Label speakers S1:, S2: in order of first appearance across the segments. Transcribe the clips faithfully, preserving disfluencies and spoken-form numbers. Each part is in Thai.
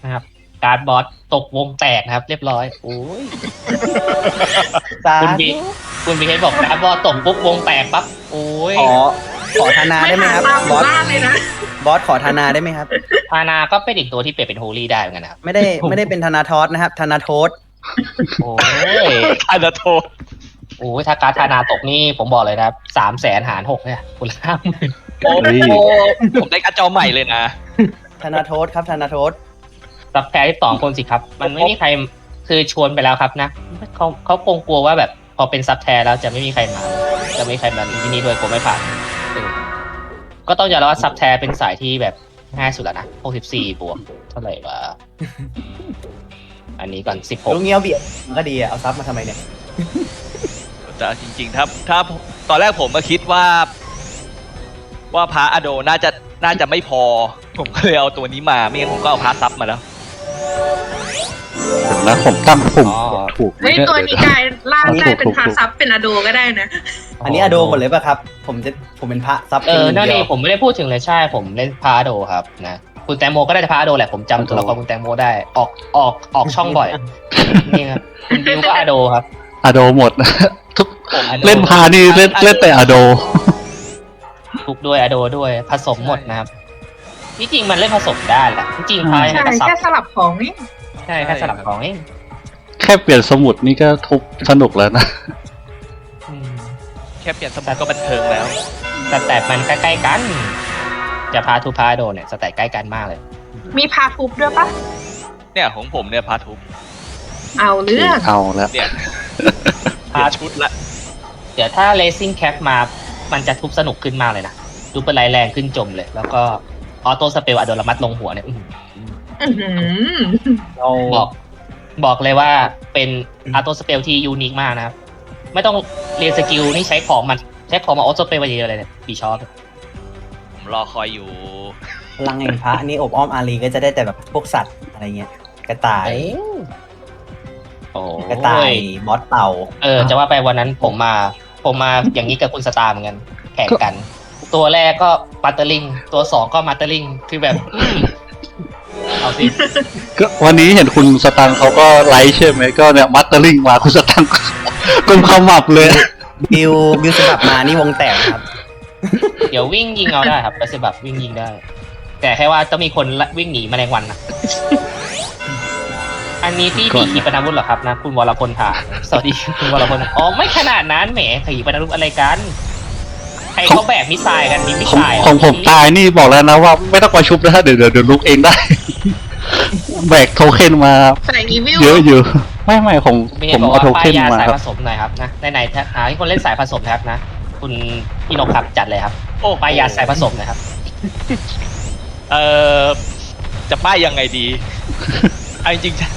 S1: นะครับการ์ดบอสตกวงแตกนะครับ เรียบร้อยโอ้ย
S2: สา
S1: คุณบี
S2: ธุ
S1: คุณบีเฮดบอกการ์ดบอสตกปุ๊บวงแตกปั๊บโอ้ย
S2: ขอขอธนาได้ไหมครับ
S3: ตามห
S2: บ
S3: มู่
S2: อส
S3: บ้านเลยนะ
S2: บอสขอธนาได้ไหมครับ
S1: พานาก็เป็นอีกตัวที่เปลี่ยนเป็นโฮลี่ได้เหมือนกันนะครับ
S2: ไม่ได้ไม่ได้เป็นธนาทอสนะครับธนาโทษ
S1: โอ้ย
S4: อันดาโท
S1: โอ้ยถ้าการ์ดธนาตกนี่ผมบอกเลยนะครับสามแสนหารหกเนี่ยคุณห้าหมื่น
S4: โอ้โหผมได้การ์ดจอใหม่เลยนะ
S2: ธนาโทษครับธนาโทษ
S1: ซับแพรที่สองคนสิครับ มันไม่มีใครคือชวนไปแล้วครับนะเขาเขาคงกลัวว่าแบบพอเป็นซับแทร์แล้วจะไม่มีใครมา จะไม่มีใครมาที่นี่ด้วยผมไม่ผ่านเออก็ต้องยอมรับว่าซับแทร์เป็นสายที่แบบง่ายสุดแล้วนะหกสิบสี่บวกเท่าไหร่วะอันนี้ก่อนสิบหก
S2: ลูกเงี้ยวเบียดมันก็ดีอะเอาซับมาทำไมเนี่ย
S4: แต่จริงๆถ้าถ้าตอนแรกผมก็คิดว่า ว่าพระอโดน่าจะน่าจะไม่พอ ผมก็เลยเอาตัวนี้มาไม่งั้นผมก็เอาพระซับมาแล้ว
S5: เดี๋ยวนะผมตั้งปุ่มถูกไหม
S3: เฮ้ย
S5: เนี่ย
S3: ตัวนี้กลายล่างได้เป็นพาซับเป็นอโดก็ได้นะ
S2: อันนี้อโดหมดเลยป่ะครับ ผมจะผมเป็นพระซับ
S1: เอ
S2: เพียง
S1: อ
S2: หนึ่ง
S1: นั่น
S2: เดี
S1: เอย ง
S2: ว
S1: ผมไม่ได้พูดถึงเลยใช่ผมเล่นพาโดครับนะคุณแตงโมก็ได้พาโดแหละผมจำตัวละครคุณแตงโมได้ออกออกออกช่องบ่อยนี่ครับคุณดิวก็อโดครับ
S5: อะโดหมดนะทุก
S1: ผม Ado
S5: เล่นพานี่เล่นเล่นแต่อะโด
S1: ทุกด้วยอโดด้วยผสมหมดนะครับที่จริงมันเล่นผสมได้แหละที่จริงพาย
S3: ใช่
S1: ก็ซับ
S3: แค่สลับของนี่
S1: ใช่แค่สลับของเอง
S5: แค่เปลี่ยนสมุดนี่ก็ทุบสนุกแล้วนะ
S1: อืม
S4: แค่เปลี่ยนสมุดก็บันเทิงแล้ว
S1: สแตทมันใกล้ๆกัน จะพาทูพาโดเนี่ยสแตทใกล้กันมากเลย
S3: มีพาทุบด้วยปะ
S4: เนี่ยของผมเนี่ยพาทุบ
S3: เอาเรื่อง
S5: เอาแล้ว
S4: เนี่ยเปลี่ยนชุดละ
S1: เดี๋ยวถ้าเลซิ่งแคปมามันจะทุบสนุกขึ้นมากเลยนะดูเป็นไรแรงขึ้นจมเลย แล้วก็ออโต้สเปลอะโดนระมัดลงหัวเนี่ยอื้อหือ
S3: อื้อหือ
S2: เรา
S1: บอกบอกเลยว่าเป็นออโต้สเปลที่ยูนิคมากนะครับ ไม่ต้องเรียนสกิลนี่ใช้ของมันใช้ของมาออโต้สเปลมาเยอะเลยเนี่ยปีชอบ
S4: ผมรอคอยอยู่
S2: พลังแห่งพระนี่อบอ้อมอารีก็จะได้แต่แบบพวกสัตว์อะไรเงี้ยกระต่าย
S1: โอ้
S2: กระต่ายบอสเต่า
S1: เออจะว่าไปวันนั้นผมมาผมมาอย่างนี้กับคุณสตาร์เหมือนกันแข่งกัน ตัวแรกก็มาเตอร์ลิงตัวสองก็มาเตอร์ลิงคือแบบอืมเอาสิ
S5: ก็วันนี้เห็นคุณสตังค์เขาก็ไลฟ์ใช่ไหมก็เนี่ยมัตเตอร์ลิงมาคุณสตังค์ กุมขมับเลย
S2: บิวบิวสลับมานี่วงแตกนะครับ
S1: เดี๋ยววิ่งยิงเอาได้ครับกระสือแบบวิ่งยิงได้ แต่แค่ว่าต้องมีคนละวิ่งหนีแมลงวันนะอันนี้ที่
S5: ก่
S1: ดี
S5: อน
S1: ขีปนาวุธเหรอครับนะคุณวรพลถามสวัสดีคุณวรพลอ๋อไม่ขนาดนั้นแหมขีปนาวุธอะไรกันใครเขาแบกมิสไซล์กันมีมิส
S5: ของ
S1: ไซล์
S5: ของผมตายนี่บอกแล้วนะว่าไม่ต้องมาชุบนะเดี๋ยวเดี๋ยวเดี๋ยวลุกเองได้ แบกโทเค็นมา
S3: ใส่อีวิล
S5: เยอะอยู่ ไม่ไม่ของ
S1: มี
S5: ผม
S1: บอก
S5: เอา
S1: ว่า
S5: โท
S1: ป้า
S5: เค็
S1: ย
S5: น
S1: ยา
S5: มา
S1: สาย
S5: ค
S1: ผ
S5: รับ
S1: สมหน่อยครับนะในไหนๆหาที่คนเล่นสายผสมนะครับนะ คุณพี่นกครับจัดเลยครับ
S4: โอ้
S1: ป้ายยาสายผสมนะครับ
S4: เอ่อจะป้ายยังไงดีเอาจริงๆ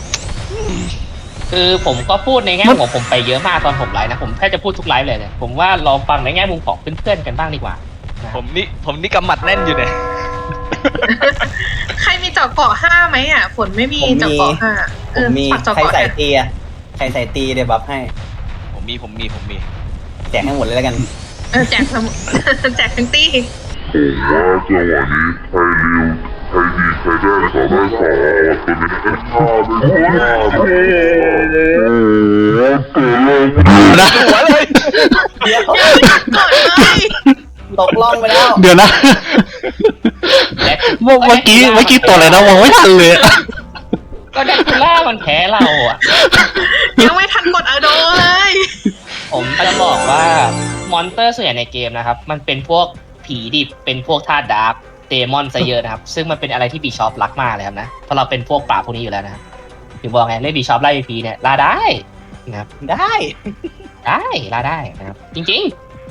S1: คือผมก็พูดในแง่มุมของผมไปเยอะมากตอนผมไลฟ์นะผมแค่จะพูดทุกไลฟ์เลยเนี่ยผมว่าลองฟังในแง่มุมของเพื่อนๆกันบ้างดีกว่า
S4: ผมนี่ผมนี่กำหมัดแน่นอยู่เนี่ย
S3: ใครมีเจาะเกาะห้าไหมอ่ะ ฝนไม่มี
S2: ผมมี
S3: เจาะเกาะห้า
S2: ผ
S3: เออ
S2: มมี
S3: ฝากเจาะ
S2: ใคร
S3: เกาะ
S2: ใส่
S3: เนี่ย
S2: ตีอะใครใส่ตีเดี๋ยวบัฟให้
S4: ผมมีผมมีผมมี
S2: แจกให้หมดเลยแล้วกัน
S3: เออแจกสมุด แจกทั้งตี้
S6: ผมว่าจังหวะนี้ใครเร็วใครดีใครได้ขอได้ขอตัวนี้เป็นข้าเป็นข้าโอ้โหตัวเล็ก
S5: นะ
S4: หัวเลย
S2: เดี๋ยว
S3: กดเลย
S2: ตกล่องไปแล้ว
S5: เดี๋ยวนะ เมื่อเมื่อกี้เมื่อกี้ตัวอะไรนะมองไม่ทันเลย
S1: ก็แดคูล่ามันแพ้เราอ่ะ
S3: ยังไม่ทันกดอโดเลย
S1: ผมจะบอกว่ามอนเตอร์ส่วนใหญ่ในเกมนะครับ มันเป็นพวกผีดิบเป็นพวกธาตุดาร์กเดมอนซะเยอะนะครับ ซึ่งมันเป็นอะไรที่บีชอปรักมากเลยครับนะเพราะเราเป็นพวกปราบพวกนี้อยู่แล้วนะครับถึงบอกไงเล่นบีชอปไล่พีเนี่ยล่าได้นะครับ
S2: ได้
S1: ได้ล่าได้นะครับ จริง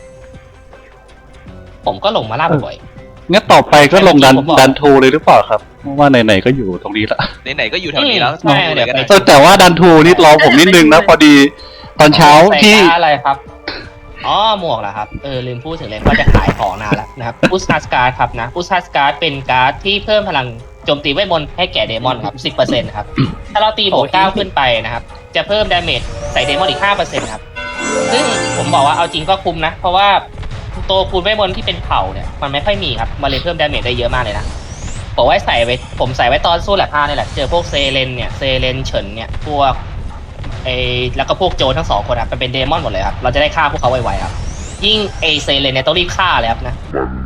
S1: ๆ ผมก็ลงมาล่าบ่อย
S5: งั้นต่อไปก็ลงดัน
S1: ผมบอก
S5: ดันทูเลยหรือเปล่าครับเพราะว่าไหนๆก็อยู่ตรงนี้ละ
S4: ไหนๆก็อยู่แถวนี้แล้ว
S1: ใช่เดี๋ยวไป
S5: เออแต่ว่าดันทูนี่รอผมนิดนึงนะพอดีตอนเช้า
S1: ใส่
S5: ที่
S1: การ์ดอะไรครับอ๋อหมวกเหรอครับเออลืมพูดถึงเลยว่าจะขายของนานแล้วนะครับอุสฮัสการ์ดครับนะอุสฮัสการ์ดเป็นการ์ดที่เพิ่มพลังโจมตีเวทมนต์ให้แก่เดมอนครับ สิบเปอร์เซ็นต์ ครับ ถ้าเราตีบวกเก้าขึ้นไปนะครับ จะเพิ่มดาเมจใส่เดมอนอีก ห้าเปอร์เซ็นต์ ครับ ซึ่งผมบอกว่าเอาจริงก็คุ้มนะ เพราะว่าตัวคูณเวทมนต์ที่เป็นเผ่าเนี่ยมันไม่ค่อยมีครับมันเลยเพิ่มดาเมจได้เยอะมากเลยนะผมไว้ใส่ไว้ผมใส่ไว้ตอนสู้แลบห้านี่แหละเจอพวกเซเลนเนี่ยเซเลนเฉินเนี่ยพวกไอแล้วก็พวกโจรทั้งสองคนครับมันเป็นเดมอนหมดเลยครับเราจะได้ฆ่าพวกเขาไวๆครับยิ่งไอเซเลนเนี่ยต้องรีบฆ่าเลยครับนะ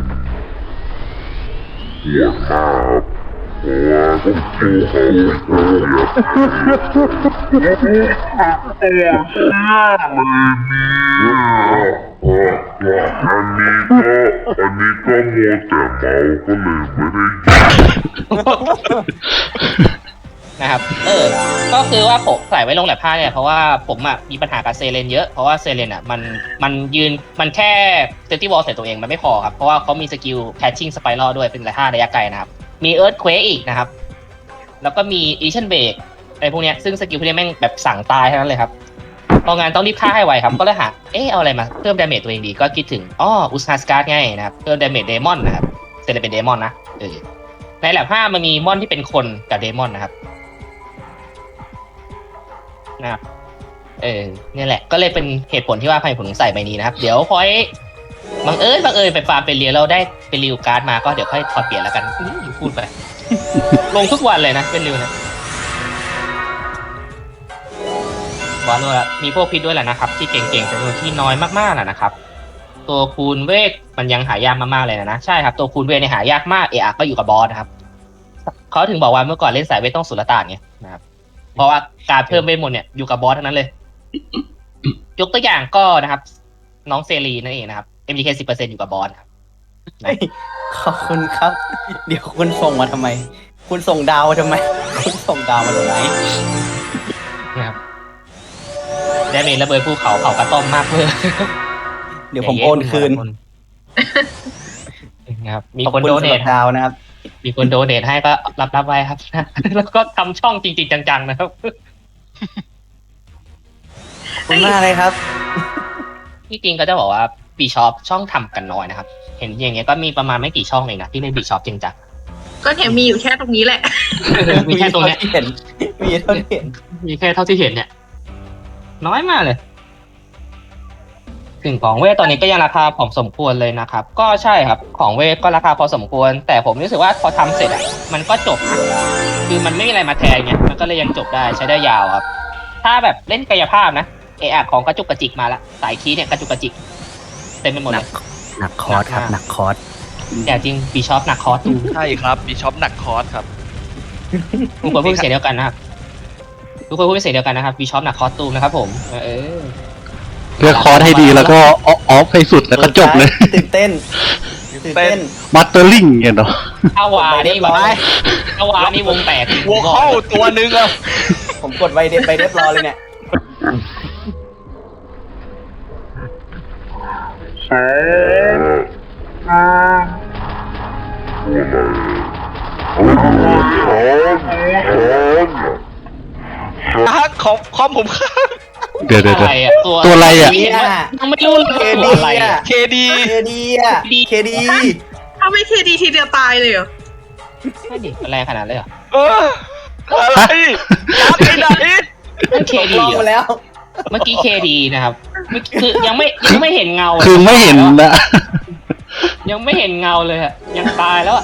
S6: มันปวดมากโอ้โหอันนี้ก็อันนี้ก็มัวแต่เมาก็เลยไม่ได้
S1: นะครับ เออ ก็คือว่าผมใส่ไว้ลงแลบผ้าเนี่ยเพราะว่าผมอ่ะมีปัญหากับเซเลนเยอะ เพราะว่าเซเลนอ่ะมันมันยืนมันแค่เซนติวอลใส่ตัวเองมันไม่พอครับ เพราะว่าเขามีสกิลแพชชิ่งสไปรัลด้วยเป็นระยะระยะไกลนะครับ มีเอิร์ธเควกอีกนะครับ แล้วก็มีอีชั่นเบรกอะไรพวกเนี้ยซึ่งสกิลพวกนี้แม่งแบบสั่งตายทั้งนั้นเลยครับพองานต้องรีบฆ่าให้ไวครับ ก็เลยหาเอ๊ะเอาอะไรมาเพิ่มดาเมจตัวเองดีก็คิดถึงอ๋ออุสนาสการ์ดไงนะครับเพิ่มดาเมจเดมอนนะครับเซเลนเป็นเดมอนนะเออในแลบห้ามันมีมอนที่เป็นคนกับเดมอนนะครับ นะครับเออเนี่ยแหละก็เลยเป็นเหตุผลที่ว่าพายผมถึงใส่ใบนี้นะครับ เดี๋ยวพอยบังเอิญบังเอิญไปฟาร์มเป็นเรียนเราได้เป็นริวการ์ดมาก็เดี๋ยวค่อยถอดเปลี่ยนแล้วกันอื้อพูดไป ลงทุกวันเลยนะเป็นริวนะวาโลละมีพวกพิษด้วยแหละนะครับ ที่เก่งๆจำนวนที่น้อยมากๆแหละนะครับ ตัวคูณเวทมันยังหายากมากๆเลยนะนะใช่ครับตัวคูณเวทเนี่ยหายากมากเอะก็อยู่กับบอสนะครับเขาถึงบอกว่าเมื่อก่อนเล่นสายเวทต้องสุลต่านไงนะครับ เพราะว่าการเพิ่มเวทมนต์เนี่ยอยู่กับบอสทั้งนั้นเลย ยกตัวอย่างก็นะครับ น้องเซรีนั่นเองนะครับ เอ็ม ดี เค สิบเปอร์เซ็นต์อยู่กับบอสครับ
S2: เฮ้ยขอบคุณครับ เดี๋ยวคุณส่งมาทำไม คุณส่งดาวมาทำไม คุณส่งดาวมาทำไม
S1: นะครับได้เมจระเบิดภูเขาเผากระต้อมมากเลย
S2: เดี๋ยวผมโอนคืน
S1: นะครับมี
S2: ขอบ
S1: คน
S2: คุณ
S1: โด
S2: สำ
S1: เน
S2: หรั
S1: ท
S2: บดาวนะครับ
S1: มีคนโดเนทให้ก็รับรับไว้ครับ แล้วก็ทำช่องจริงๆจังๆนะครับ
S2: ขอบคุณมากเลยครับ
S1: ที่จริงก็จะบอกว่าบีช็อปช่องทำกันน้อยนะครับ เห็นอย่างเงี้ยก็มีประมาณไม่กี่ช่องเองนะที่เล่นบีช็อปจริงจัง
S3: ก็เนี่ยมีอยู่แค่ตรงนี้แหละ
S1: มีแค่ตรงเนี้ย
S2: มีเห็น มีเท่าที่เห็น
S1: มีแค่เท่าที่เห็นเนี่ย น้อยมากเลยสิ่งของเวทตอนนี้ก็ยังราคาผอมสมควรเลยนะครับ ก็ใช่ครับของเวทก็ราคาพอสมควร แต่ผมรู้สึกว่าพอทำเสร็จอ่ะมันก็จบนะคือมันไม่มีอะไรมาแทนไงมันก็เลยยังจบได้ใช้ได้ยาวครับ ถ้าแบบเล่นกายภาพนะเออของกระจุกกระจิกมาละสายคีย์เนี่ยกระจุกกระจิกเต็มไปหมด
S2: หนั
S1: เล
S2: ก
S1: ย
S2: หนักคอร์สครับ หนักคอร์ส
S1: แต่จริงบีช็อปหนักคอร์สตู
S4: ใช่ครับบีช็อปหนักคอร์สครับ
S1: ทุกคนพูดเป็นเสียงเดียวกันนะครับทุกคนพูดเป็นเสียงเดียวกันนะครับบีช็อปหนักคอร์สตูนะครับผมเออ
S5: เลือกคอร์สให้ดีแล้วก็ออฟให้สุดแล้วก็จบเลย
S2: ตื่นเต้น ตื่นเต้น
S5: มัตเตอร์ลิงเงี้ยเนาะ
S1: ถ้าวานี่แบบถ้าวานี่วงแตก
S4: วัวเข้าตัวหนึงอะ
S2: ผมกดไวเดฟไปเรียบร้อยเลยเนี่ย
S4: ฮักของคอมผมค้าง
S5: เดี๋ยวเดี๋ยว
S1: อะ
S5: เดี๋ยว
S1: ไรอะตัว
S5: ตัวอะไรอะ
S1: ยังไม่รู้เลย
S2: เค
S1: ตั
S2: ดี
S1: วอะไรอะ
S2: อะ
S4: เคดี
S2: เคดีอะเคดี
S3: ถ้าไม่เคดีทีเดียวตายเลยเหรอ
S1: ไม่ดิมันแรงขนาดนั้นเลยเหรอ
S4: เอออะไรรับไปไหน
S1: นั่นเคดี
S2: ลองมาแล้ว
S1: เมื่อกี้เคดีนะครับเมื่อกี้คือยังไม่ยังไม่เห็นเงาเลย
S5: คือไม่เห็นนะ
S1: ยังไม่เห็นเงาเลยอะยังตายแล้วอะ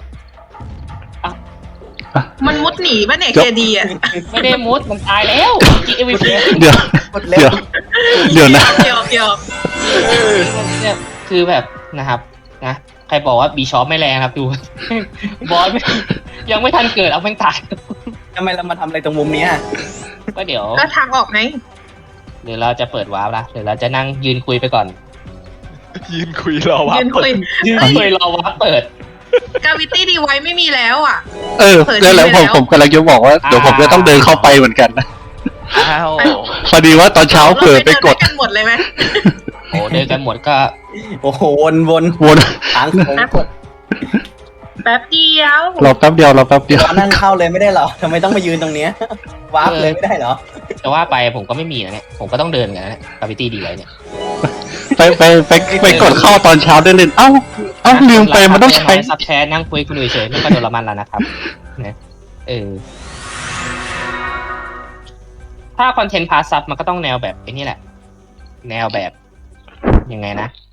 S3: มันมุดหนีป่ะเนี่ย
S5: จบ
S3: เคดีอ่ะ
S1: ไม่ได้มุดมันตายแล้วเมื่อกี้เอวีพี
S5: เดี๋ยว
S2: กดเร็
S5: เดี๋ยว
S2: ว
S5: เดี๋ยวนะ
S3: เกี่ยวเกี่ยว
S1: เนี่ยคือแบบนะครับนะใครบอกว่าบีชอปไม่แรงครับดู บอสไม่ยังไม่ทันเกิดเอาแม่งตาย
S2: ทำไมเรามาทำอะไรตรงมุมเนี้ย
S1: ก็เดี๋ยว
S3: ก็ทางออกไง
S1: เดี๋ยวเราจะเปิดวาร์ปละเดี๋ยวเราจะนั่งยืนคุยไปก่อน
S4: ยืนคุยรอว่า
S3: ยืนคุย
S1: ยืนคุยรอวาร์ปเปิด
S3: กาวิตี้ดีไว้ไม่มีแล้วอ่ะ
S5: เออ
S3: เปิด
S5: แล้วแล้ว
S3: ไป
S5: ผ
S3: แล้
S5: ม
S3: ว
S5: ผมกำลังจะบอกว่าเดี๋ยวผมจะต้องเดินเข้าไปเหมือนกันนะ
S4: อ้าว
S5: พอดีว่าตอนเช้าเผลอไปกด
S3: เราเนกันหมดเลยไหม
S1: โอ้เดินกันหมดก็
S2: โอ้โห วนวน
S5: วน
S2: ทางผมกด
S3: แป๊บเดียว
S5: รอแป๊บเดียวรอแป๊บเดียว
S2: ตอนนั่งเข้าเลยไม่ได้เหรอทำไมต้องมายืนตรงเนี้ย วาร์ปเลยไม่ได้เหรอ
S1: จะว่าไปผมก็ไม่มีนะเนี่ยผมก็ต้องเดินกันนะเนี่ยกาวิตี้ดีไว้เนี่ย
S5: ไปไปไปไปกดเข้าตอนเช้าได้เล่นเอ้าเอ้าลืมไปมันต้องใช้
S1: ซับแชทนั่งคุยคุณเฉยๆไม่ก็โดนละมันแล้วนะครับนะเออถ้าคอนเทนต์พาซับมันก็ต้องแนวแบบไอ้นี่แหละ แนวแบบยังไงนะ